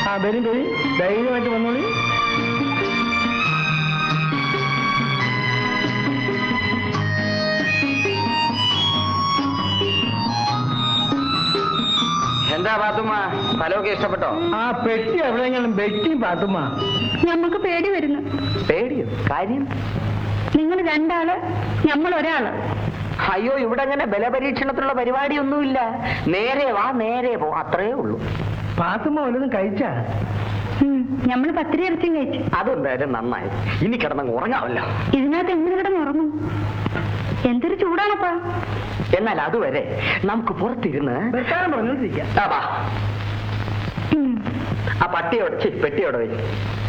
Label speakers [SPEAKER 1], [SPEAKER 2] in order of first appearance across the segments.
[SPEAKER 1] വരും വരും, ധൈര്യമായിട്ട് വന്നോളി.
[SPEAKER 2] എന്താ പാത്തുമ്മ, സ്ഥലമൊക്കെ ഇഷ്ടപ്പെട്ടോ?
[SPEAKER 1] ആ പെട്ടി എവിടെയെങ്കിലും വെട്ടി പാത്തുമ്മ.
[SPEAKER 3] ഞമ്മക്ക് പേടി വരുന്നു.
[SPEAKER 2] പേടിയോ? കാര്യം?
[SPEAKER 3] നിങ്ങൾ രണ്ടാള്, നമ്മൾ ഒരാള്.
[SPEAKER 2] അയ്യോ, ഇവിടെ അങ്ങനെ ബലപരീക്ഷണത്തിലുള്ള പരിപാടിയൊന്നുമില്ല. നേരെ വാ, നേരെ പോ, അത്രേ ഉള്ളൂ.
[SPEAKER 1] പാത്തുമ്മ വല്ലതും കഴിച്ചാ?
[SPEAKER 3] ഞമ്മള് പത്തിരി ഇറച്ചിയും കഴിച്ചു.
[SPEAKER 2] അതെന്തായാലും നന്നായി. ഇനി കിടന്നങ്ങ് ഉറങ്ങാമല്ലോ.
[SPEAKER 3] ഇതിനകത്ത് എങ്ങനെ കിടന്ന് ഉറങ്ങും? എന്തൊരു ചൂടാണപ്പാ.
[SPEAKER 2] എന്നാൽ അതുവരെ നമുക്ക് പുറത്തിരുന്ന്
[SPEAKER 1] പറഞ്ഞോണ്ടിരിക്കാം.
[SPEAKER 2] ആ പട്ടിയോട് പെട്ടിയോടെ വരും.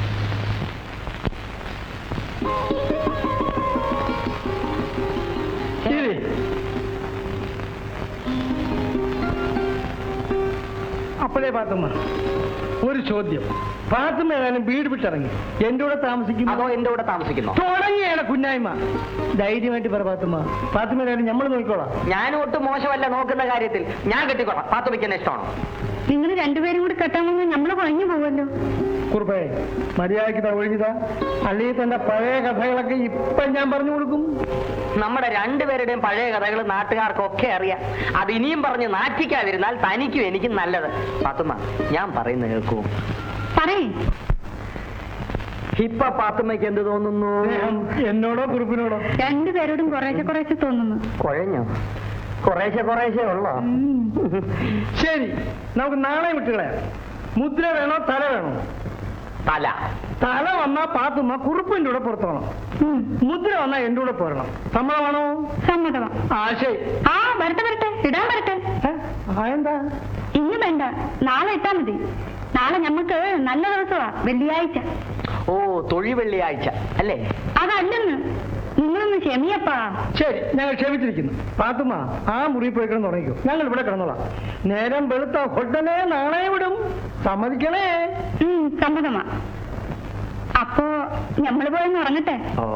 [SPEAKER 1] അപ്പോഴേ പാത്തുമ്മ, ഒരു ചോദ്യം. പാത്തുമ്മ ഏതായാലും വീട് വിട്ടിറങ്ങി എന്റെ കൂടെ താമസിക്കും
[SPEAKER 2] അതോ എന്റെ കൂടെ താമസിക്കുന്നു?
[SPEAKER 1] തുടങ്ങിയാണ് കുഞ്ഞായ്മ. ധൈര്യമായിട്ട് പറ പാത്തുമ്മ. പാത്തുമ്മ ഏതായാലും നമ്മൾ നോക്കിക്കോളാം.
[SPEAKER 2] ഞാൻ ഒട്ടും മോശമല്ല നോക്കുന്ന കാര്യത്തിൽ. ഞാൻ കെട്ടിക്കോളാം. പാത്തുമ്മയ്ക്ക് എന്നെ ഇഷ്ടമാണോ?
[SPEAKER 3] നിങ്ങൾ രണ്ടുപേരും കൂടി കെട്ടാമെന്ന് നമ്മള് കുഴഞ്ഞു പോവല്ലോ.
[SPEAKER 1] കുറുപ്പേ, മര്യാദയ്ക്ക് ഒഴിഞ്ഞതാ. അല്ലെങ്കിൽ തന്റെ പഴയ കഥകളൊക്കെ ഇപ്പൊ ഞാൻ പറഞ്ഞു കൊടുക്കും.
[SPEAKER 2] നമ്മുടെ രണ്ടുപേരുടെയും പഴയ കഥകൾ നാട്ടുകാർക്കൊക്കെ അറിയാം. അത് ഇനിയും പറഞ്ഞ് നാറ്റിക്കാതിരുന്നാൽ തനിക്കും എനിക്കും നല്ലത്. പാത്തുമ്മ, ഞാൻ പറയുന്നത് കേൾക്കൂ.
[SPEAKER 3] പറയേ.
[SPEAKER 2] ഇപ്പൊ പാത്തുമ്മയ്ക്ക് എന്ത് തോന്നുന്നു?
[SPEAKER 1] എന്നോടോ കുറുപ്പിനോടോ?
[SPEAKER 3] രണ്ടുപേരോടും കുറേശ്ശെ കുറേശ്ശെ തോന്നുന്നു.
[SPEAKER 2] കുഴഞ്ഞോ? കുറേശ്ശെ ഉള്ളോ?
[SPEAKER 1] ശരി, നമുക്ക് നാളെ വിട്ടുകളയാം. മുദ്ര വേണോ തല വേണോ?
[SPEAKER 2] തല.
[SPEAKER 1] തല വന്നാ പാത്തുമ്മ കുറുപ്പിന്റെ കൂടെ പുറത്തോണം. മുദ്ര വന്നാ എന്റെ കൂടെ പോരണം. സമ്മതമാണോ?
[SPEAKER 3] സമ്മതമാ.
[SPEAKER 1] ശരി.
[SPEAKER 3] വരട്ടെ വരട്ടെ, ഇടാൻ വരട്ടെ.
[SPEAKER 1] എന്താ
[SPEAKER 3] ഇന്ന് വേണ്ട, നാളെ ഇട്ടാ മതി. നാളെ ഞമ്മക്ക് നല്ല ദിവസമാ, വെള്ളിയാഴ്ച.
[SPEAKER 2] ഓ, തൊഴി വെള്ളിയാഴ്ച അല്ലേ?
[SPEAKER 3] അതല്ലെന്ന്, നിങ്ങളൊന്ന് ക്ഷമിയപ്പാ.
[SPEAKER 1] ശരി, ഞങ്ങൾ ക്ഷമിച്ചിരിക്കുന്നു. പാത്തുമ്മ, ആ മുറി പോയി കിടന്ന് തുടങ്ങിക്കോ. ഞങ്ങൾ ഇവിടെ കിടന്നോളാം. നേരം വെളുത്ത ഉടനെ നാളെ വിടും. സമ്മതിക്കണേ?
[SPEAKER 3] സമ്മതമാ. അപ്പോ ഞമ്മള് പോയെന്ന് ഉറങ്ങട്ടെ.
[SPEAKER 2] ഓ,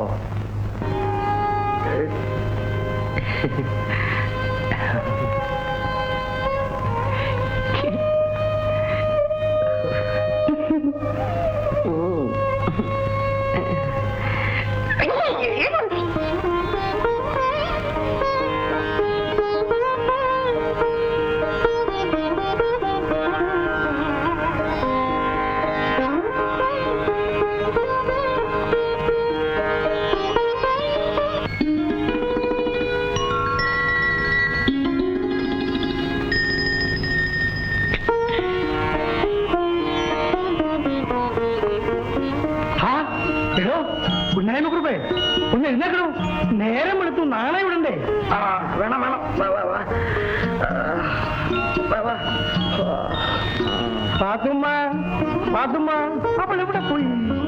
[SPEAKER 1] ഒന്ന് എഴുന്നേക്കണോ? നേരം എടുത്തു, നാളെ വിടണ്ടേ?
[SPEAKER 2] വേണം.
[SPEAKER 1] പാത്തുമ്മ, അപ്പോൾ എവിടെ പോയി?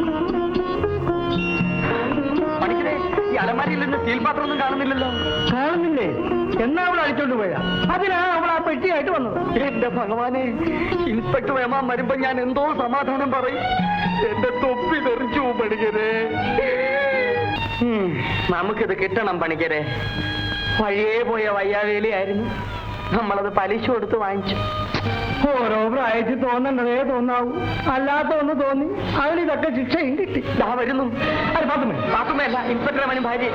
[SPEAKER 2] ഈ അലമാരിയിൽ നിന്ന് സ്റ്റീൽ പാത്രം ഒന്നും കാണുന്നില്ലല്ലോ.
[SPEAKER 1] കാണുന്നില്ലേ? എന്നാ അവൾ അടിച്ചോണ്ട് പോയാ? അതിനാ അവൾ ആ പെട്ടിയായിട്ട് വന്നത്.
[SPEAKER 2] എന്റെ ഭഗവാനെ, ഇൻസ്പെക്ടർ ഏമാൻ വരുമ്പോ ഞാൻ എന്തോ സമാധാനം പറയും. എന്റെ തൊപ്പി തെറിച്ചു പണിക്കരെ. നമുക്കിത് കിട്ടണം പണിക്കരെ. വഴിയേ പോയ വയ്യാവേലിയായിരുന്നു. നമ്മളത് പലിശ കൊടുത്ത് വാങ്ങിച്ചു.
[SPEAKER 1] ഓരോ പ്രായത്തിൽ തോന്നണ്ടതേ തോന്നാവൂ. അല്ലാത്ത ഒന്ന് തോന്നി, അതിനിതൊക്കെ ശിക്ഷയും കിട്ടി.
[SPEAKER 2] വരുന്നു.
[SPEAKER 1] അത്
[SPEAKER 2] പാത്തുമ്മയല്ല, ഇൻസ്പെക്ടർ ഏമാനും ഭാര്യ.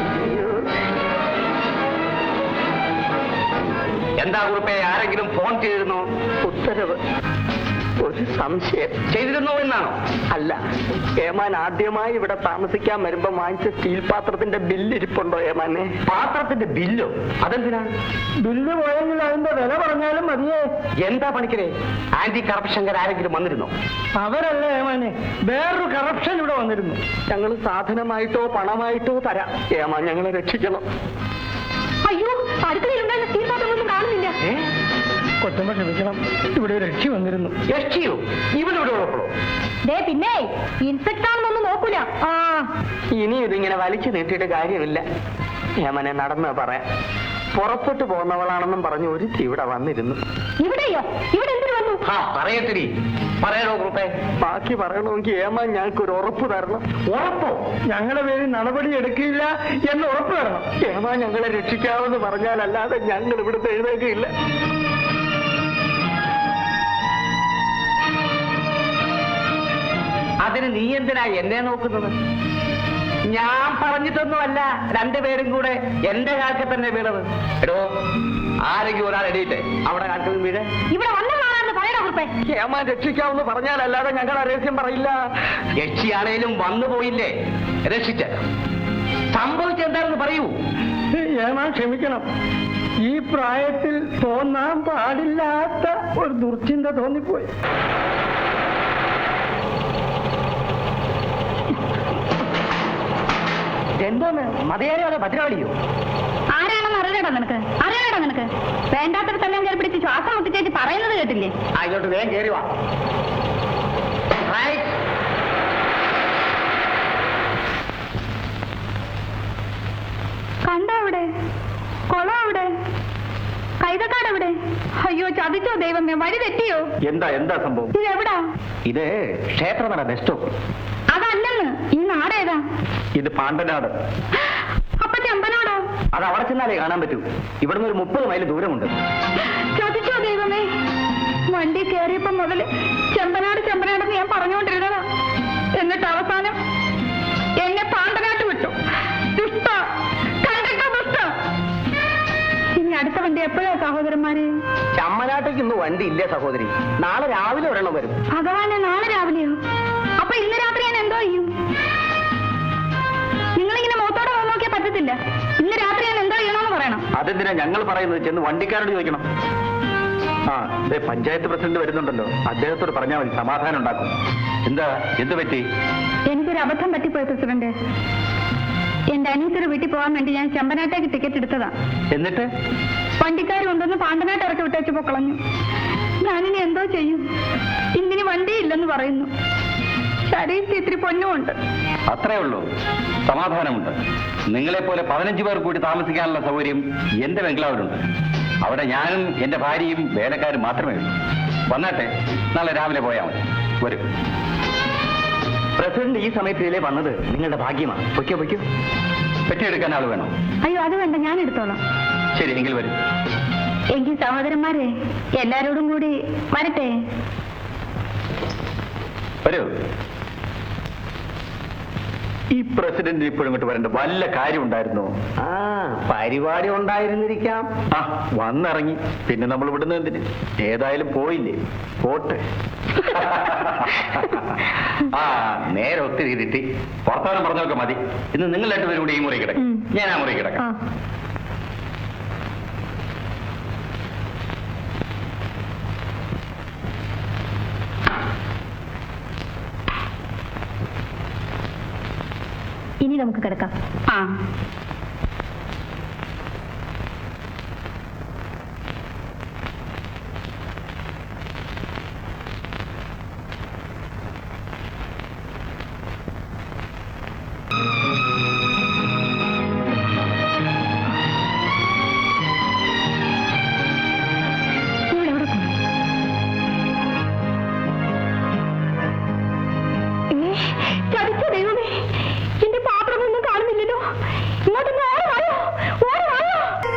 [SPEAKER 2] എന്താ കുറിപ്പേ, ആരെങ്കിലും ഫോൺ ചെയ്തിരുന്നോ? ഉത്തരവ്. ഒരു സംശയം. ചെയ്തിരുന്നോ എന്നാണോ? അല്ല, ഏമാൻ ആദ്യമായി ഇവിടെ താമസിക്കാൻ വരുമ്പോ വാങ്ങിച്ച സ്റ്റീൽ പാത്രത്തിന്റെ ബില്ല് ഇരിപ്പുണ്ടോ ഏമാനെ? പാത്രത്തിന്റെ ബില്ലോ? അതെന്തിനാ?
[SPEAKER 1] ബില്ല് പോയെങ്കിൽ അതിന്റെ വില പറഞ്ഞാലും മതിയേ.
[SPEAKER 2] എന്താ പണിക്കരെ, ആന്റി കറപ്ഷൻകാർ ആരെങ്കിലും വന്നിരുന്നോ?
[SPEAKER 1] അവരല്ലേ ഏമാനെ, വേറൊരു കറപ്ഷൻ ഇവിടെ വന്നിരുന്നു.
[SPEAKER 2] ഞങ്ങൾ സാധനമായിട്ടോ പണമായിട്ടോ തരാം. ഏമാൻ ഞങ്ങളെ രക്ഷിക്കണം.
[SPEAKER 3] അയ്യോ, അടുക്കളയിലുണ്ടായിരുന്ന സ്റ്റീൽ പാത്രമൊന്നും കാണുന്നില്ല.
[SPEAKER 1] കൊച്ചുമ്പോ ക്ഷമിക്കണം, ഇവിടെ ഒരു രക്ഷി വന്നിരുന്നു.
[SPEAKER 2] രക്ഷിയോ? ഇവനിവിടെ ഉള്ളപ്പോഴോ?
[SPEAKER 3] പിന്നെ ഇൻസ്പെക്ടറാണെന്നൊന്നും നോക്കൂല.
[SPEAKER 2] ഇനി ഇതിങ്ങനെ വലിച്ചു നീട്ടിയിട്ട് കാര്യമില്ല. ഏമനെ നടന്ന് പറയാം. പുറപ്പെട്ടു പോകുന്നവളാണെന്നും പറഞ്ഞു ഒരുത്തി ഇവിടെ വന്നിരുന്നു.
[SPEAKER 3] ഇവിടെയോ? ഇവിടെ എന്തിനു വന്നു?
[SPEAKER 2] പറയത്തിരി, പറയണോ ഗ്രൂപ്പേ? ബാക്കി പറയണമെങ്കിൽ ഏമാൻ ഞങ്ങൾക്ക് ഒരു ഉറപ്പ് തരണം.
[SPEAKER 1] ഉറപ്പോ? ഞങ്ങളുടെ പേരിൽ നടപടി എടുക്കില്ല എന്ന് ഉറപ്പ് തരണം.
[SPEAKER 2] ഏമാൻ ഞങ്ങളെ രക്ഷിക്കാമെന്ന് പറഞ്ഞാലല്ലാതെ ഞങ്ങൾ ഇവിടുത്തെ എഴുന്നേക്കില്ല. അതിന് നീ എന്തിനാ എന്നെ നോക്കുന്നത്? ഞാൻ പറഞ്ഞിട്ടൊന്നുമല്ല രണ്ടുപേരും കൂടെ എന്റെ കാൽക്കൽ തന്നെ വീണത്. എടോ, ആരെങ്കിലും ഒരാൾ എടീട്ടെ അവിടെ കാൽക്കൽ വീഴ്.
[SPEAKER 3] ഇവിടെ വന്നതാണെന്ന് പറയണ കുറിപ്പേ.
[SPEAKER 2] ഏമാൻ രക്ഷിക്കാമെന്ന് പറഞ്ഞാലല്ലാതെ ഞങ്ങൾ ആ രഹസ്യം പറയില്ല. രക്ഷിയാണേലും വന്നു പോയില്ലേ, രക്ഷിച്ച സംഭവിച്ചെന്താണെന്ന് പറയൂ.
[SPEAKER 1] ഏമാൻ ക്ഷമിക്കണം, ഈ പ്രായത്തിൽ തോന്നാൻ പാടില്ലാത്ത ഒരു ദുർചിന്ത തോന്നിപ്പോയി.
[SPEAKER 2] എന്തോന്ന് മതയാരോ അതോ ഭദ്രകാളിയോ?
[SPEAKER 3] ആരാണെന്ന് അറിയണോ നിനക്ക്? വേണ്ടാത്തടത്തെല്ലാം കയറി പിടിച്ച് ശ്വാസം മുട്ടിച്ചേച്ച് പറയുന്നത് കേട്ടില്ലേ?
[SPEAKER 2] ഇങ്ങോട്ട് വേഗം കയറി വാ.
[SPEAKER 3] കണ്ടോ അവിടെ കൊളം, അവിടെ കൈതക്കാട്, അവിടെ. അയ്യോ, ചതിച്ചോ ദൈവമേ, വഴി തെറ്റിയോ?
[SPEAKER 2] എന്താ സംഭവം?
[SPEAKER 3] ഇത് എവിടാ?
[SPEAKER 2] ഇത് ക്ഷേത്രനട ബസ് സ്റ്റോപ്പ്.
[SPEAKER 3] അതല്ലെന്ന്, ഈ നാടേതാ?
[SPEAKER 2] ഇത് പാണ്ടനാട്.
[SPEAKER 3] അപ്പൊ ചെമ്പനാടോ?
[SPEAKER 2] അത് അവിടെ ചെന്നാലേ കാണാൻ പറ്റൂ. ഇവിടുന്ന് ഒരു 30 മൈൽ ദൂരമുണ്ട്.
[SPEAKER 3] ചതിച്ചോ ദൈവമേ, വണ്ടി കയറിയപ്പോ മുതല് ചെമ്പനാടെന്ന് ഞാൻ പറഞ്ഞുകൊണ്ടിരുന്നതാ. എന്നിട്ട് അവസാനം എന്നെ പാണ്ടനാട്ട് വിട്ടു. ദുഷ്ട, കണ്ടിട്ടോ ദുഷ്ട. ഇനി അടുത്ത വണ്ടി എപ്പോഴാ സഹോദരന്മാരെ?
[SPEAKER 2] ചമ്മനാട്ടേക്ക് ഇന്ന് വണ്ടി ഇല്ലേ സഹോദരി, നാളെ രാവിലെ ഒരെണ്ണം വരും.
[SPEAKER 3] ഭഗവാനെ, നാളെ രാവിലെയോ? അപ്പൊ ഇന്ന് രാത്രി ഞാൻ എന്തോ ചെയ്യും? നിങ്ങളിങ്ങനെ മുഖത്തോടെ നോക്കിയാൽ പറ്റത്തില്ല. ഇന്ന് രാത്രി ഞാൻ എന്തോ ചെയ്യണമെന്ന് പറയണം.
[SPEAKER 2] അതെന്തിനാ ഞങ്ങൾ പറയുന്നത്? ചെന്ന് വണ്ടിക്കാരോട് ചോദിക്കണം. ആ, പഞ്ചായത്ത് പ്രസിഡന്റ് വരുന്നുണ്ടല്ലോ, അദ്ദേഹത്തോട് പറഞ്ഞാൽ മതി, സമാധാനം ഉണ്ടാക്കും. എന്ത് പറ്റി?
[SPEAKER 3] എനിക്കൊരു അബദ്ധം പറ്റിപ്പോയി പ്രസിഡന്റ്. എന്റെ അനീസയുടെ വീട്ടിൽ പോകാൻ വേണ്ടി ഞാൻ ചെമ്പനാട്ടേക്ക് ടിക്കറ്റ് എടുത്തതാ.
[SPEAKER 2] എന്നിട്ട്
[SPEAKER 3] വണ്ടിക്കാർ കൊണ്ടുവന്ന് പാണ്ടനാട്ട് ഇറക്കി വിട്ടേച്ച് പൊക്കളഞ്ഞു. ഞാനിനി എന്തോ ചെയ്യും? ഇന്നിനി വണ്ടിയില്ലെന്ന് പറയുന്നു. ശരീരത്തിൽ ഇത്തിരി പൊന്നുമുണ്ട്.
[SPEAKER 4] അത്രേ ഉള്ളൂ, സമാധാനമുണ്ട്. നിങ്ങളെപ്പോലെ 15 പേർ കൂടി താമസിക്കാനുള്ള സൗകര്യം എന്റെ ബംഗ്ലാവിലുണ്ട്. അവിടെ ഞാനും എന്റെ ഭാര്യയും വേലക്കാരും മാത്രമേ ഉള്ളൂ. വന്നാട്ടെ, നാളെ രാവിലെ പോയാൽ മതി. വരും.
[SPEAKER 2] പ്രസിഡന്റ് ഈ സമയത്തിലേ വന്നത് നിങ്ങളുടെ ഭാഗ്യമാണ്. പൊയ്ക്കോ.
[SPEAKER 4] പെട്ടിയെടുക്കാൻ ആൾ വേണം.
[SPEAKER 3] അയ്യോ, അത് വേണ്ട, ഞാൻ എടുത്തോളാം.
[SPEAKER 4] ശരി, എങ്കിൽ വരും.
[SPEAKER 3] എങ്കിൽ സഹോദരന്മാരെ എല്ലാരോടും കൂടി വരട്ടെ.
[SPEAKER 4] വരൂ. ഈ പ്രസിഡന്റ് ഇപ്പോഴും ഇങ്ങോട്ട് വരേണ്ട വല്ല കാര്യം ഉണ്ടായിരുന്നോ?
[SPEAKER 2] പരിപാടി ഉണ്ടായിരുന്നിരിക്കാം.
[SPEAKER 4] വന്നിറങ്ങി, പിന്നെ നമ്മൾ ഇവിടുന്ന് എന്തിന്? ഏതായാലും പോയില്ലേ, പോട്ടെ. നേരെ ഒത്തിരി ഇരുട്ടി വർത്തമാനം പറഞ്ഞൊക്കെ മതി. ഇന്ന് നിങ്ങൾ 2 പേരും കൂടി ഈ മുറി കിടക്കും, ഞാൻ ആ മുറി കിടക്കാം.
[SPEAKER 3] ഇനി നമുക്ക് കിടക്കാം. ചതിച്ച ദൈവമേ, എന്റെ പാത്രമൊന്നും കാണുന്നില്ലല്ലോ. ഇങ്ങോട്ടൊന്ന് ഓടി വായോ.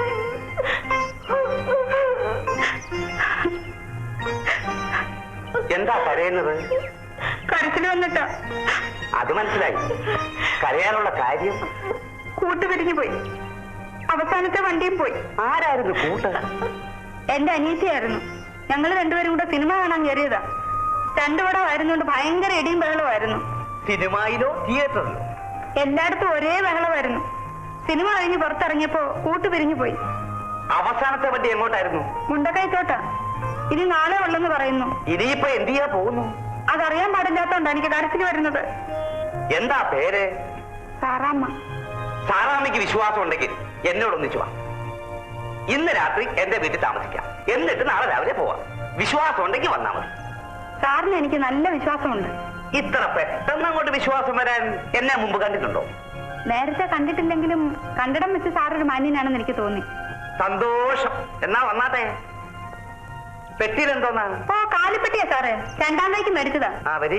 [SPEAKER 2] എന്താ കരയുന്നത്?
[SPEAKER 3] കരച്ചിൽ വന്നിട്ടാ.
[SPEAKER 2] അത് മനസ്സിലായി. കരയാനുള്ള കാര്യം?
[SPEAKER 3] കൂട്ടുപിരിഞ്ഞു പോയി. അവസാനത്തെ വണ്ടിയും പോയി.
[SPEAKER 2] ആരായിരുന്നു കൂട്ട്?
[SPEAKER 3] എന്റെ അനീതിയായിരുന്നു. ഞങ്ങൾ 2 പേരും കൂടെ സിനിമ കാണാൻ കയറിയതാ. 2 പടം ആയിരുന്നുകൊണ്ട് ഭയങ്കര ഇടിയും ബഹളമായിരുന്നു.
[SPEAKER 2] സിനിമയിലോ തിയേറ്ററിലോ?
[SPEAKER 3] എല്ലായിടത്തും ഒരേ ബഹളമായിരുന്നു. സിനിമ കഴിഞ്ഞ് പുറത്തിറങ്ങിയപ്പോ കൂട്ടുപിരിഞ്ഞു പോയി.
[SPEAKER 2] അവസാനത്തെ വണ്ടി എങ്ങോട്ടായിരുന്നു?
[SPEAKER 3] മുണ്ടക്കൈത്തോട്ടാ. ഇനി നാളെ ഉള്ളെന്ന് പറയുന്നു.
[SPEAKER 2] ഇനിയിപ്പോ എന്ത് ചെയ്യാൻ പോകുന്നു?
[SPEAKER 3] അതറിയാൻ പാടില്ലാത്തോണ്ടാ എനിക്ക് കരച്ചിൽ വരുന്നത്.
[SPEAKER 2] എന്താ പേര്?
[SPEAKER 3] സാറാമ്മ.
[SPEAKER 2] സാറാമ്മയ്ക്ക് വിശ്വാസം ഉണ്ടെങ്കിൽ എന്നോടൊന്നിച്ചു വാ. ഇന്ന് രാത്രി എന്റെ വീട്ടിൽ താമസിക്കാം, എന്നിട്ട് നാളെ രാവിലെ പോവാം. വിശ്വാസം ഉണ്ടെങ്കിൽ വന്നാ മതി.
[SPEAKER 3] സാറിന് എനിക്ക് നല്ല വിശ്വാസമുണ്ട്.
[SPEAKER 2] ഇത്ര പെട്ടെന്ന് അങ്ങോട്ട് വിശ്വാസം വരാൻ എന്നെ മുമ്പ് കണ്ടിട്ടുണ്ടോ?
[SPEAKER 3] നേരത്തെ കണ്ടിട്ടില്ലെങ്കിലും കണ്ടിടം വെച്ച് സാറൊരു മാന്യനാണെന്ന് എനിക്ക് തോന്നി.
[SPEAKER 2] സന്തോഷം. എന്നാ വന്നാട്ടെ. പെട്ടിയിലെന്തോന്നാ?
[SPEAKER 3] കാലിപ്പെട്ടിയാ സാറേ, 2ാം തൈക്ക് മേടിച്ചതാ.
[SPEAKER 2] വരി.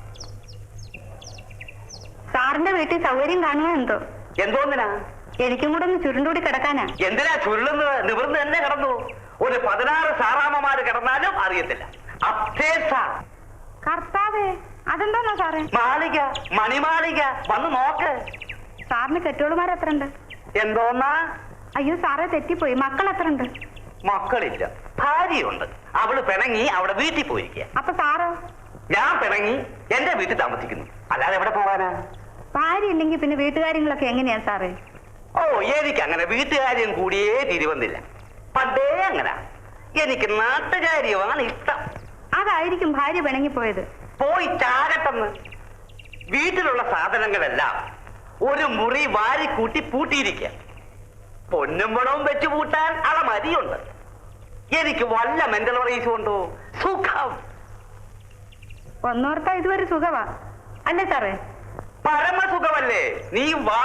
[SPEAKER 3] സാറിന്റെ വീട്ടിൽ സൗകര്യം കാണുമോ എന്തോ?
[SPEAKER 2] എന്തോന്നിനാ?
[SPEAKER 3] എനിക്കും കൂടെ ഒന്ന് ചുരുണ്ടൂടി കിടക്കാനാ.
[SPEAKER 2] എന്തിനാ ചുരുളുന്നത്? നിവർന്ന് തന്നെ കിടന്നു. ഒരു 16 സാറാമ്മമാര് കിടന്നാലും അറിയത്തില്ല.
[SPEAKER 3] കർത്താവേ, അതെന്താണോ സാറേ?
[SPEAKER 2] മാളിക, മണിമാളിക, വന്ന് നോക്ക്.
[SPEAKER 3] സാറിന് കെട്ടിയോളുമാർ എത്ര ഉണ്ട്?
[SPEAKER 2] എന്തോന്നാ?
[SPEAKER 3] അയ്യോ സാറേ, തെറ്റിപ്പോയി. മക്കൾ എത്ര ഉണ്ട്?
[SPEAKER 2] മക്കളില്ല, ഭാര്യയുണ്ട്. അവള് പിണങ്ങി അവിടെ വീട്ടിൽ പോയിരിക്കുക.
[SPEAKER 3] അപ്പൊ സാറോ?
[SPEAKER 2] ഞാൻ പിണങ്ങി എന്റെ വീട്ടിൽ താമസിക്കുന്നു, അല്ലാതെ എവിടെ പോകാനാ?
[SPEAKER 3] ഭാര്യ ഇല്ലെങ്കിൽ പിന്നെ വീട്ടുകാര്യങ്ങളൊക്കെ എങ്ങനെയാ സാറേ?
[SPEAKER 2] ഓ, എനിക്ക് അങ്ങനെ വീട്ടുകാര്യം കൂടിയേ തിരിവന്നില്ല. പണ്ടേ അങ്ങനെ. എനിക്ക് നാട്ടുകാര്യമാണ് ഇഷ്ടം.
[SPEAKER 3] അതായിരിക്കും ഭാര്യ പിണങ്ങിപ്പോയത്.
[SPEAKER 2] പോയി ചാകട്ടെന്ന്. വീട്ടിലുള്ള സാധനങ്ങളെല്ലാം ഒരു മുറി വാരിക്കൂട്ടി പൂട്ടിയിരിക്കുക. പൊന്നും പണവും വെച്ച് പൂട്ടാൻ അളമതിയുണ്ട്. എനിക്ക് വല്ല മെന്റൽ റൈസും ഉണ്ടോ? സുഖം.
[SPEAKER 3] ഒന്നോർത്താ ഇതുവരെ സുഖവാ അല്ലേ സാറേ?
[SPEAKER 2] പരമസുഖമല്ലേ? നീ വാ.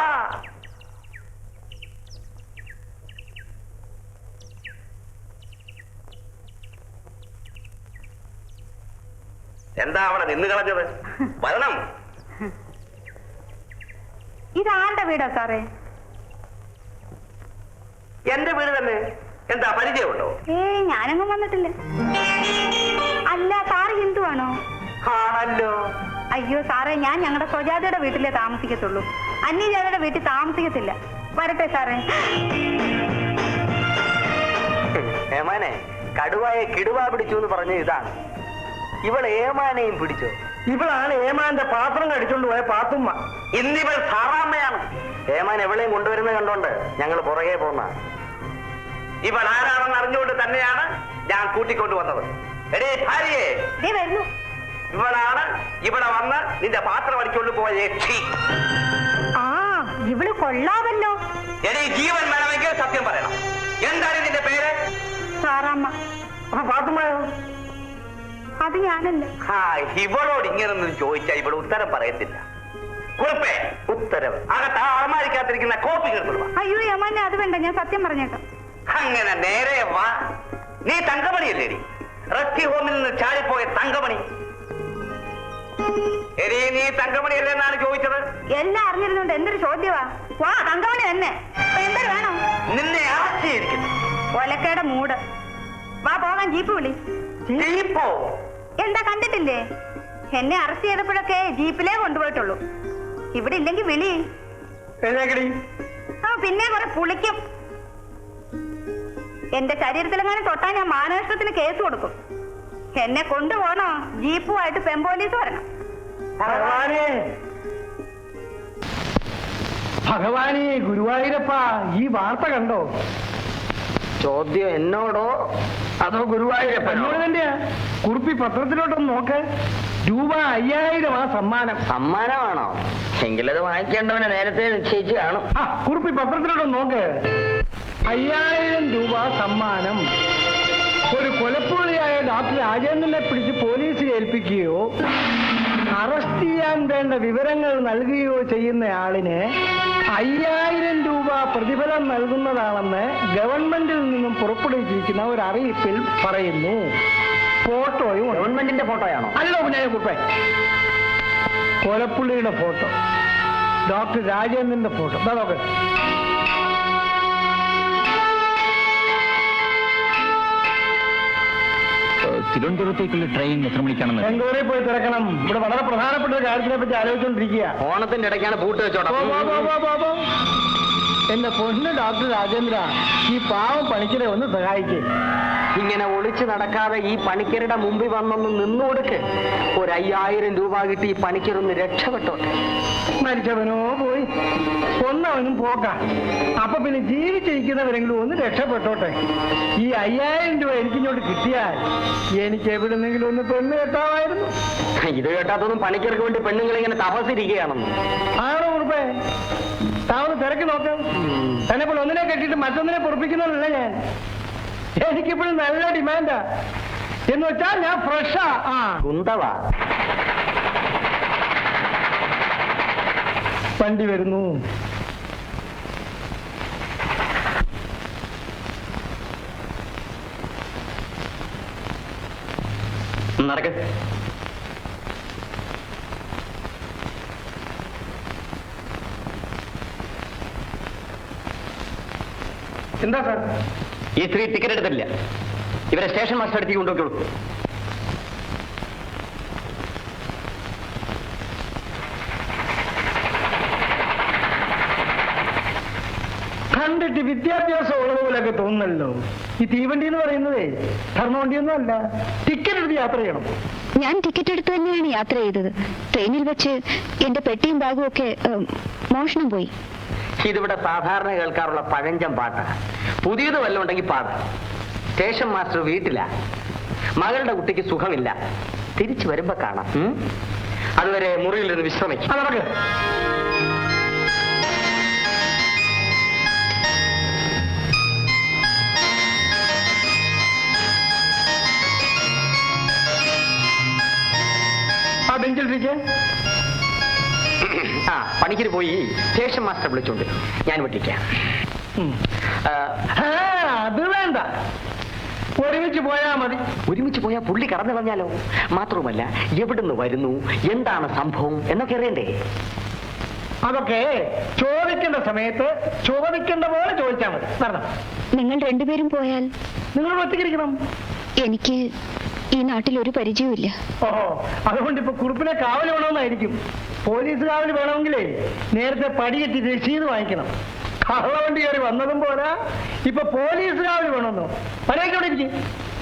[SPEAKER 2] എന്താ അവിടെ നിന്ന് കളഞ്ഞത്? വരണം.
[SPEAKER 3] ഇതാരുടെ വീടാ സാറേ?
[SPEAKER 2] എന്റെ വീട് തന്നെ. എന്താ പരിചയമുണ്ടോ?
[SPEAKER 3] ഞാനങ്ങും വന്നിട്ടില്ല. അല്ല, സാറ് ഹിന്ദു ആണോ?
[SPEAKER 2] ആണല്ലോ.
[SPEAKER 3] അയ്യോ സാറേ, ഞാൻ ഞങ്ങളുടെ സ്വജാതയുടെ വീട്ടിലേ താമസിക്കത്തുള്ളൂ. അന്യജാതയുടെ വീട്ടിൽ താമസിക്കത്തില്ല. വരട്ടെ സാറേ.
[SPEAKER 2] ഏമാനെ, കടുവായെ കിടുവാ പിടിച്ചു എന്ന് പറഞ്ഞ ഇതാണ്. ഇവൾ ഏമാനെയും പിടിച്ചോ?
[SPEAKER 1] ഇവളാണ് ഏമാന്റെ പാത്രം കടിച്ചോണ്ട് പോയ പാത്തുമ്മ.
[SPEAKER 2] ഇന്നിവൾ സാറാമ്മയാണ്. ഏമാൻ എവളെയും കൊണ്ടുവരുന്നത് കണ്ടോണ്ട് ഞങ്ങൾ പുറകെ പോന്ന. ഇവൾ ആരാണെന്ന് അറിഞ്ഞുകൊണ്ട് തന്നെയാണ് ഞാൻ കൂട്ടിക്കൊണ്ടുവന്നത്. എടേ ഭാര്യയെ,
[SPEAKER 3] വരുന്നു.
[SPEAKER 2] ഇവളാണ് ഇവിടെ വന്ന് നിന്റെ പാത്രം അടിച്ചുകൊണ്ട് പോയ യക്ഷി.
[SPEAKER 3] ആ, ഇവള് കൊള്ളാവല്ലോ.
[SPEAKER 2] എടേ, ജീവൻ വേണമെങ്കിൽ സത്യം പറയണം. എന്താണ് നിന്റെ പേര്?
[SPEAKER 3] സാറാമ്മ.
[SPEAKER 1] അപ്പൊ പാത്തുമ്മയോ?
[SPEAKER 3] അത് ഞാനല്ല.
[SPEAKER 2] ഇവളോട് ഇങ്ങനൊന്നും ചോദിച്ചാൽ ഇവൾ ഉത്തരം പറയത്തില്ല. കുറിപ്പേ, ഉത്തരവ് അകത്ത് അളമാരിക്കാത്തിരിക്കുന്ന കോപ്പി കിട്ടുക.
[SPEAKER 3] അയ്യോ യമാനെ, അത് വേണ്ട, ഞാൻ സത്യം പറഞ്ഞേക്കാം.
[SPEAKER 2] അങ്ങനെ നേരെ വാ. നീ തങ്കമണിയല്ലേടി? റെസ്ക്യൂ ഹോമിൽ നിന്ന് ചാടിപ്പോയ തങ്കമണി. എടീ, നീ തങ്കമണിയല്ലേ എന്നാണ് ചോദിച്ചത്?
[SPEAKER 3] എല്ലാം അറിഞ്ഞിരുന്നോണ്ട് എന്തൊരു ചോദ്യവാ. വാ, തങ്കമണി തന്നെ. എന്തൊരു വേണം?
[SPEAKER 2] നിന്നെ ആശയിരിക്കുന്നു.
[SPEAKER 3] ഒലക്കയുടെ മൂട്. വാ പോകാൻ. ജീപ്പ് വിളി.
[SPEAKER 2] ജീപ്പോ?
[SPEAKER 3] എന്താ കണ്ടിട്ടില്ലേ? എന്നെ അറസ്റ്റ് ചെയ്തപ്പോഴൊക്കെ ജീപ്പിലേ കൊണ്ടുപോയിട്ടുള്ളൂ. ഇവിടെ ഇല്ലെങ്കിൽ വിളി. പിന്നെ കുറെ പുളിക്കും. എന്റെ ശരീരത്തിലെങ്ങാനും തൊട്ടാ ഞാൻ മാനനഷ്ടത്തിന് കേസ് കൊടുക്കും. എന്നെ കൊണ്ടുപോകണോ? ജീപ്പുമായിട്ട് പെമ്പോലീസ് വരണം.
[SPEAKER 1] ഭഗവാനെ, ഭഗവാനെ, ഗുരുവായൂരപ്പ, ഈ വാർത്ത കണ്ടോ?
[SPEAKER 2] ചോദ്യം എന്നോടോ അതോ ഗുരുവായൂരപ്പനോട്?
[SPEAKER 1] തന്നെയാ. കുറിപ്പി പത്രത്തിലോട്ടൊന്ന് നോക്ക്. രൂപ 5000 ആ സമ്മാനം.
[SPEAKER 2] സമ്മാനമാണോ? എങ്കിലത് വാങ്ങിക്കേണ്ടവനെ നേരത്തെ നിശ്ചയിച്ചു കാണും.
[SPEAKER 1] കുറിപ്പി പത്രത്തിലോട്ടൊന്ന് നോക്ക്. 5000 രൂപ സമ്മാനം. ഒരു കൊലപ്പുള്ളിയായ ഡോക്ടർ രാജേന്ദ്രനെ പിടിച്ച് പോലീസിൽ ഏൽപ്പിക്കുകയോ അറസ്റ്റ് ചെയ്യാൻ വേണ്ട വിവരങ്ങൾ നൽകുകയോ ചെയ്യുന്ന ആളിന് 5000 രൂപ പ്രതിഫലം നൽകുന്നതാണെന്ന് ഗവൺമെന്റിൽ നിന്നും പുറപ്പെടുവിച്ചിരിക്കുന്ന ഒരു അറിയിപ്പിൽ പറയുന്നു. ഫോട്ടോയും
[SPEAKER 2] ഗവൺമെന്റിന്റെ ഫോട്ടോയാണോ?
[SPEAKER 1] അല്ലോ പിന്നെ കുപ്പേ. കൊലപ്പുള്ളിയുടെ ഫോട്ടോ, ഡോക്ടർ രാജേന്ദ്രന്റെ ഫോട്ടോ. എന്താ നോക്ക്.
[SPEAKER 4] തിരുവനന്തപുരത്തേക്കുള്ള ട്രെയിൻ എത്ര മണിക്കാണെന്ന്?
[SPEAKER 1] ബാംഗ്ലൂരിൽ പോയി തിരക്കണം. ഇവിടെ വളരെ പ്രധാനപ്പെട്ട ഒരു കാര്യത്തിനെ പറ്റി ആലോചിച്ചുകൊണ്ടിരിക്കുക.
[SPEAKER 2] ഓണത്തിന്റെ ഇടയ്ക്കാണ് പൂട്ട് വെച്ചോട്ടെ.
[SPEAKER 1] എന്റെ പൊന്ന് ഡോക്ടർ രാജേന്ദ്ര, ഈ പാവം പണിക്കരെ ഒന്ന് സഹായിക്കേ.
[SPEAKER 2] ഇങ്ങനെ ഒളിച്ചു നടക്കാതെ ഈ പണിക്കരുടെ മുമ്പിൽ വന്നൊന്ന് നിന്നു കൊടുക്ക്. ഒരു 5000 രൂപ കിട്ടി ഈ പണിക്കരൊന്ന് രക്ഷപ്പെട്ടോട്ടെ.
[SPEAKER 1] മരിച്ചവനോ പോയി, കൊന്നവനും പോക്ക. അപ്പൊ പിന്നെ ജീവിച്ചിരിക്കുന്നവരെങ്കിലും ഒന്ന് രക്ഷപ്പെട്ടോട്ടെ. ഈ 5000 രൂപ എനിക്കിങ്ങോട്ട് കിട്ടിയാൽ എനിക്ക് എവിടെന്നെങ്കിലും ഒന്ന് പെണ്ണ് കെട്ടാമായിരുന്നു.
[SPEAKER 2] ഇത് കേട്ടാത്തൊന്നും പണിക്കർക്ക് വേണ്ടി പെണ്ണുങ്ങൾ ഇങ്ങനെ തപസിരിക്കുകയാണെന്ന്.
[SPEAKER 1] ആണോ കുറുപ്പേ? താവൊന്ന് തിരക്കി നോക്ക്. തന്നെ ഇപ്പോൾ ഒന്നിനെ കെട്ടിയിട്ട് മറ്റൊന്നിനെ പൊറപ്പിക്കുന്നതല്ല ഞാൻ. എനിക്കിപ്പോഴും നല്ല ഡിമാൻഡാ. എന്ന് വെച്ചാൽ ഞാൻ ഫ്രഷാ.
[SPEAKER 2] കുന്തവാ.
[SPEAKER 1] വണ്ടി വരുന്നു.
[SPEAKER 2] നടക്ക്.
[SPEAKER 1] എന്താ സാർ?
[SPEAKER 2] ഈ സ്ത്രീ ടിക്കറ്റ് എടുത്തില്ല. ഇവരെ സ്റ്റേഷൻ മാസ്റ്റർ അടുത്തേക്ക് കൊണ്ടുപോയിക്കോളൂ.
[SPEAKER 1] ഇത്തിരി വിദ്യാഭ്യാസം ഉള്ളതുപോലെയൊക്കെ തോന്നുന്നല്ലോ. ഈ തീവണ്ടി എന്ന് പറയുന്നതേ ധർമ്മവണ്ടിയൊന്നും അല്ല. ടിക്കറ്റ് എടുത്ത് യാത്ര ചെയ്യണം.
[SPEAKER 3] ഞാൻ ടിക്കറ്റ് എടുത്ത് തന്നെയാണ് യാത്ര ചെയ്തത്. ട്രെയിനിൽ വെച്ച് എന്റെ പെട്ടിയും ബാഗും ഒക്കെ മോഷണം പോയി.
[SPEAKER 2] ഇതിവിടെ സാധാരണ കേൾക്കാറുള്ള പഴഞ്ചൻ പാട്ടാ. പുതിയത് വല്ലതും ഉണ്ടെങ്കിൽ പാട്. സ്റ്റേഷൻ മാസ്റ്റർ വീട്ടിലാ. മകളുടെ കുട്ടിക്ക് സുഖമില്ല. തിരിച്ചു വരുമ്പോ കാണാം. അതുവരെ മുറിയിലിരുന്ന് വിശ്രമിക്കും.
[SPEAKER 1] അതടക്ക്. ആ ബെഞ്ചിലിരിക്കെ.
[SPEAKER 2] ആ പണിക്കര് പോയി സ്റ്റേഷൻ മാസ്റ്റർ വിളിച്ചോണ്ട് ഞാൻ വിട്ടിക്കാം.
[SPEAKER 1] അത് വേണ്ട, ഒരുമിച്ച് പോയാ മതി.
[SPEAKER 2] ഒരുമിച്ച് പോയാൽ പുള്ളി കടന്നു കളഞ്ഞാലോ? മാത്രവുമല്ല, എവിടുന്ന് വരുന്നു, എന്താണ് സംഭവം എന്നൊക്കെ അറിയണ്ടേ?
[SPEAKER 1] അതൊക്കെ ചോദിക്കേണ്ട സമയത്ത് ചോദിക്കേണ്ട പോലെ ചോദിച്ചാൽ മതി. നടന്നു.
[SPEAKER 3] നിങ്ങൾ രണ്ടുപേരും പോയാൽ
[SPEAKER 1] നിങ്ങൾ ഒറ്റയ്ക്കിരിക്കണം.
[SPEAKER 3] എനിക്ക് ഈ നാട്ടിൽ ഒരു പരിചയമില്ല.
[SPEAKER 1] ഓഹോ, അതുകൊണ്ട് ഇപ്പൊ കുറുപ്പിനെ കാവൽ വേണമെന്നായിരിക്കും. പോലീസ് കാവൽ വേണമെങ്കിലേ നേരത്തെ പടിയെത്തി രസീത് വാങ്ങിക്കണം. കള്ളവണ്ടി കയറി വന്നതും പോരാ, ഇപ്പൊ പോലീസ് കാവൽ വേണമെന്നോ? പരേക്കവിടെ ഇരിക്കും.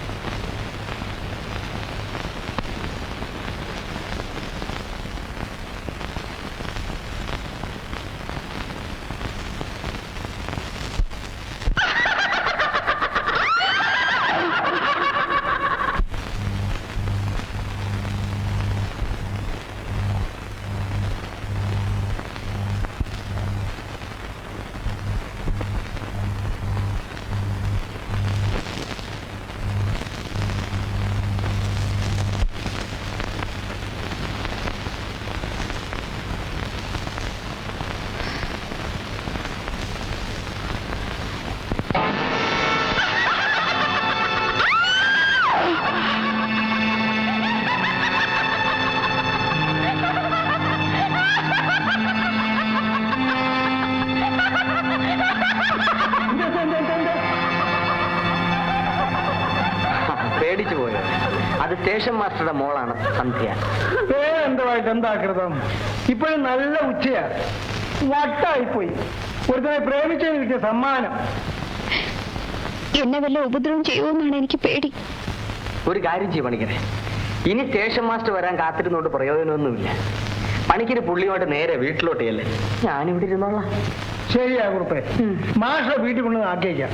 [SPEAKER 2] പേടിച്ചു പോയോ? അത് സ്റ്റേഷൻ മാസ്റ്ററുടെ മോളാണ് സന്ധ്യ.
[SPEAKER 1] പേരെന്തവായിട്ട് എന്താകൃതം? ഇപ്പോഴും നല്ല ഉച്ചയാ. വട്ടായിപ്പോയി. ഒരുത്തനെ പ്രേമിച്ചതിന് കിട്ടിയ സമ്മാനം.
[SPEAKER 3] എന്നെ വല്ല ഉപദ്രവം ചെയ്യുമെന്നാണ് എനിക്ക് പേടി.
[SPEAKER 2] ഒരു കാര്യം ചെയ്യും പണിക്കരെ, ഇനി സ്റ്റേഷൻ മാസ്റ്റർ വരാൻ കാത്തിരുന്നോണ്ട് പ്രയോജനമൊന്നുമില്ല. പണിക്കര് പുള്ളിയോട്ട് നേരെ വീട്ടിലോട്ടേയല്ലേ, ഞാനിവിടെ ഇരുന്നോളാം.
[SPEAKER 1] ശരിയാ കുറുപ്പേ, മാഷെ വീട്ടിൽ കൊണ്ട് ആക്കിയേക്കാം.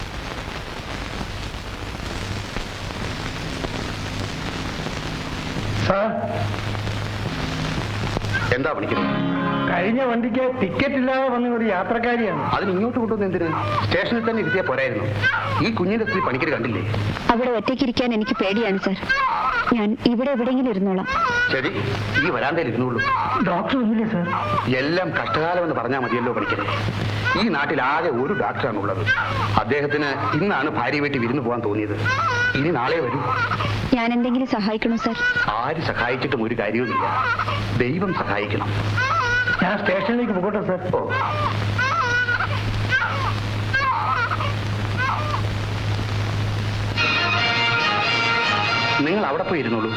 [SPEAKER 1] സാർ,
[SPEAKER 5] എന്താ പണിക്കുന്നത്?
[SPEAKER 1] കഴിഞ്ഞ വണ്ടിക്ക് ടിക്കറ്റ് ഇല്ലാതെ വന്ന ഒരു യാത്രക്കാരിയാണ്.
[SPEAKER 5] അതിന് ഇങ്ങോട്ട് കൊണ്ടുവന്ന് എന്തിന്? സ്റ്റേഷനിൽ തന്നെ ഇരുത്തിയാ പോരായിരുന്നു. ഈ കുഞ്ഞിന്റെ സ്ത്രീ പണിക്കര് കണ്ടില്ലേ?
[SPEAKER 3] അവിടെ ഒറ്റയ്ക്കിരിക്കാൻ എനിക്ക് പേടിയാണ് സാർ. ഞാൻ ഇവിടെ എവിടെയെങ്കിലും ഇരുന്നോളാം.
[SPEAKER 5] ശരി, ഈ വരാന്തയിൽ ഇരുന്നുള്ളൂ.
[SPEAKER 1] ഡോക്ടർ ഒന്നുമില്ലേ സാർ?
[SPEAKER 5] എല്ലാം കഷ്ടകാലമെന്ന് പറഞ്ഞാൽ മതിയല്ലോ പണിക്കരെ. ഈ നാട്ടിൽ ആകെ ഒരു ഡോക്ടറാണുള്ളത്. അദ്ദേഹത്തിന് ഇന്നാണ് ഭാര്യ വീട്ടിൽ വിരുന്ന് പോകാൻ തോന്നിയത്. ഇനി നാളെ വരൂ.
[SPEAKER 3] ഞാൻ എന്തെങ്കിലും സഹായിക്കണോ സാർ?
[SPEAKER 5] ആര് സഹായിച്ചിട്ടും ഒരു കാര്യവുമില്ല. ദൈവം സഹായിക്കണം.
[SPEAKER 1] ഞാൻ സ്റ്റേഷനിലേക്ക് പോകട്ടെ സാർ?
[SPEAKER 5] ഓ, നിങ്ങൾ അവിടെ പോയി ഇരുന്നോളൂ.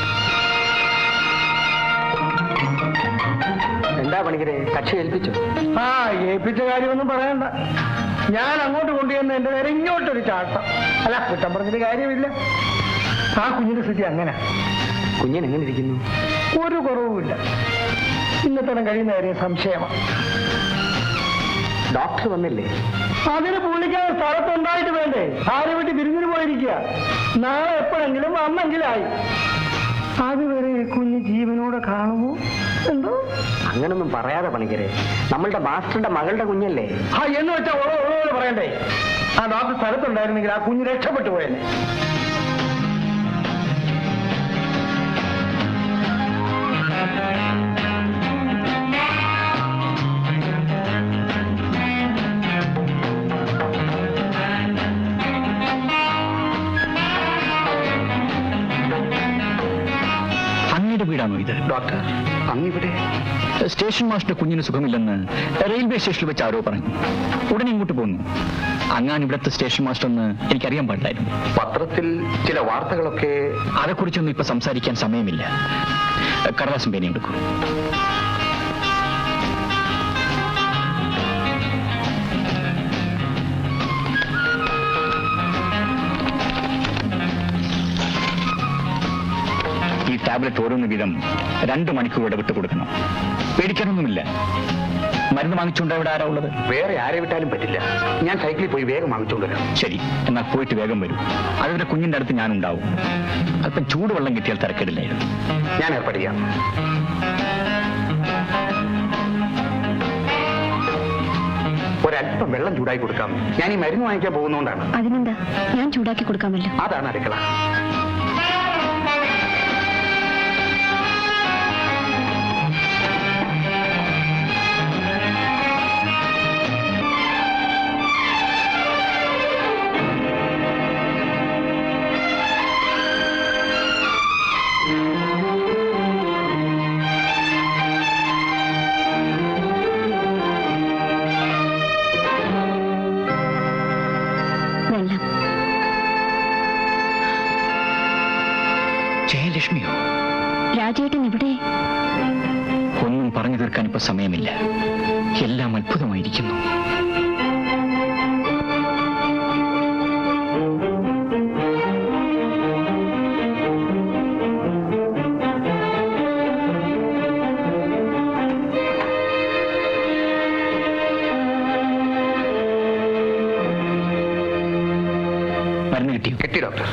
[SPEAKER 2] എന്താ പണിക്കരെ, കക്ഷി ഏൽപ്പിച്ചോ?
[SPEAKER 1] ആ, ഏൽപ്പിച്ച കാര്യമൊന്നും പറയണ്ട. ഞാൻ അങ്ങോട്ട് കൊണ്ടുവന്ന് എന്റെ നേരെ ഇങ്ങോട്ടൊരു ചാട്ടം. അല്ല, കുറ്റം പറഞ്ഞിട്ട് കാര്യമില്ല. ആ കുഞ്ഞിന്റെ സ്ഥിതി അങ്ങനെ.
[SPEAKER 2] കുഞ്ഞൻ എങ്ങനെ ഇരിക്കുന്നു?
[SPEAKER 1] ഒരു കുറവുമില്ല. ഇന്നത്തെ കഴിയുന്ന കാര്യം സംശയമാണ്.
[SPEAKER 2] ഡോക്ടർ വന്നില്ലേ?
[SPEAKER 1] അതിന് പുള്ളിക്കാൻ സ്ഥലത്തുണ്ടായിട്ട് വേണ്ടേ? ഭാര്യ വീട്ടിൽ വിരുന്നിന് പോയിരിക്കുക. നാളെ എപ്പോഴെങ്കിലും വന്നെങ്കിലായി. അതുവരെ കുഞ്ഞ് ജീവനോടെ കാണുമോ എന്തോ?
[SPEAKER 2] അങ്ങനൊന്നും പറയാതെ പണിക്കരെ, നമ്മളുടെ മാസ്റ്ററുടെ മകളുടെ കുഞ്ഞല്ലേ?
[SPEAKER 1] ആ, എന്ന് വെച്ചാൽ ഉള്ളതുപോലെ പറയണ്ടേ? ആ ഡോക്ടർ സ്ഥലത്തുണ്ടായിരുന്നെങ്കിൽ ആ കുഞ്ഞ് രക്ഷപ്പെട്ടു പോയനെ.
[SPEAKER 6] അങ്ങയുടെ വീടാണോ ഇത്?
[SPEAKER 5] ഡോക്ടർ, അങ്ങിവിടെ?
[SPEAKER 6] സ്റ്റേഷൻ മാസ്റ്റർ കുഞ്ഞിന് സുഖമില്ലെന്ന് റെയിൽവേ സ്റ്റേഷനിൽ വെച്ച് ആരോ പറഞ്ഞു. ഉടനെ ഇങ്ങോട്ട് പോന്നു. അങ്ങാൻ ഇവിടുത്തെ സ്റ്റേഷൻ മാസ്റ്റർ എന്ന് എനിക്കറിയാൻ പാടില്ലായിരുന്നു.
[SPEAKER 5] പത്രത്തിൽ ചില വാർത്തകളൊക്കെ.
[SPEAKER 6] അതേക്കുറിച്ചൊന്നും ഇപ്പൊ സംസാരിക്കാൻ സമയമില്ല. കടലാസം പേനയും എടുക്കൂ. ടാബ്ലറ്റ് ഓരോന്ന് വീതം 2 മണിക്കൂർ ഇടവിട്ട് കൊടുക്കണം. പേടിക്കാനൊന്നുമില്ല. മരുന്ന് വാങ്ങിച്ചുകൊണ്ട് ഇവിടെ ആരാ ഉള്ളത്?
[SPEAKER 5] വേറെ ആരെ വിട്ടാലും പറ്റില്ല. ഞാൻ സൈക്കിളിൽ പോയി വേഗം വാങ്ങിച്ചുകൊണ്ട് വരാം.
[SPEAKER 6] ശരി, എന്നാൽ പോയിട്ട് വേഗം വരും. അതുവരെ കുഞ്ഞിന്റെ അടുത്ത് ഞാനുണ്ടാവും. അല്പം ചൂടുവെള്ളം കിട്ടിയാൽ തരക്കേടില്ലായിരുന്നു.
[SPEAKER 5] ഞാൻ ഏർപ്പാട് ചെയ്യാം. ഒരല്പം വെള്ളം ചൂടാക്കി കൊടുക്കാം. ഞാൻ ഈ മരുന്ന് വാങ്ങിക്കാൻ പോകുന്നതുകൊണ്ടാണ്.
[SPEAKER 3] അതിനെന്താ, ഞാൻ ചൂടാക്കി കൊടുക്കാമല്ലോ.
[SPEAKER 5] അതാണ് അടുക്കള.
[SPEAKER 3] വെള്ളം.
[SPEAKER 6] ജയലക്ഷ്മിയോ?
[SPEAKER 3] രാജേട്ടൻ ഇവിടെ?
[SPEAKER 6] ഒന്നും പറഞ്ഞു തീർക്കാൻ ഇപ്പൊ സമയമില്ല. എല്ലാം അത്ഭുതമായിരിക്കുന്നു. മരുന്ന് കിട്ടിയോ?
[SPEAKER 5] കിട്ടി ഡോക്ടർ.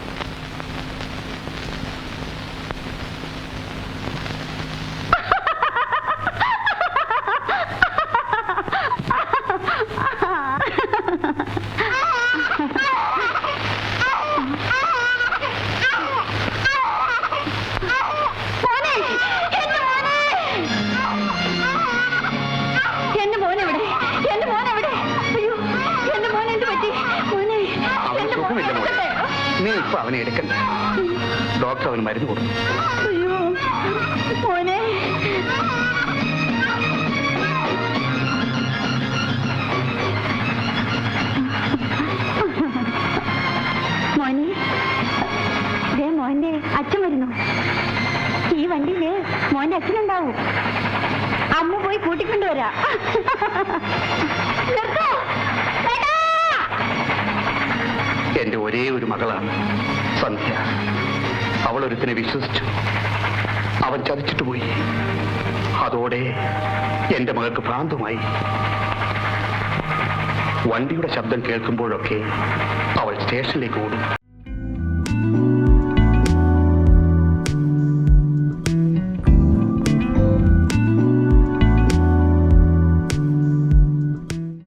[SPEAKER 5] അവന് സുഖമില്ല മോളെ. നീ ഇപ്പൊ അവനെ എടുക്കണ്ട. ഡോക്ടർ അവന് മരുന്ന് കൊടുത്തു.
[SPEAKER 3] മോന്റെ അച്ഛൻ വരുന്നു. ഈ വണ്ടിയില് മോന്റെ അച്ഛനുണ്ടാവും. അമ്മ പോയി കൂട്ടിക്കൊണ്ടുവരാ.
[SPEAKER 5] എന്റെ ഒരേ ഒരു മകളാണ് സന്ധ്യ. അവളൊരുത്തിനെ വിശ്വസിച്ചു. അവൻ ചതിച്ചിട്ട് പോയി. അതോടെ എന്റെ മകൾക്ക് ഭ്രാന്തമായി. വണ്ടിയുടെ ശബ്ദം കേൾക്കുമ്പോഴൊക്കെ അവൾ സ്റ്റേഷനിലേക്ക് ഓടും.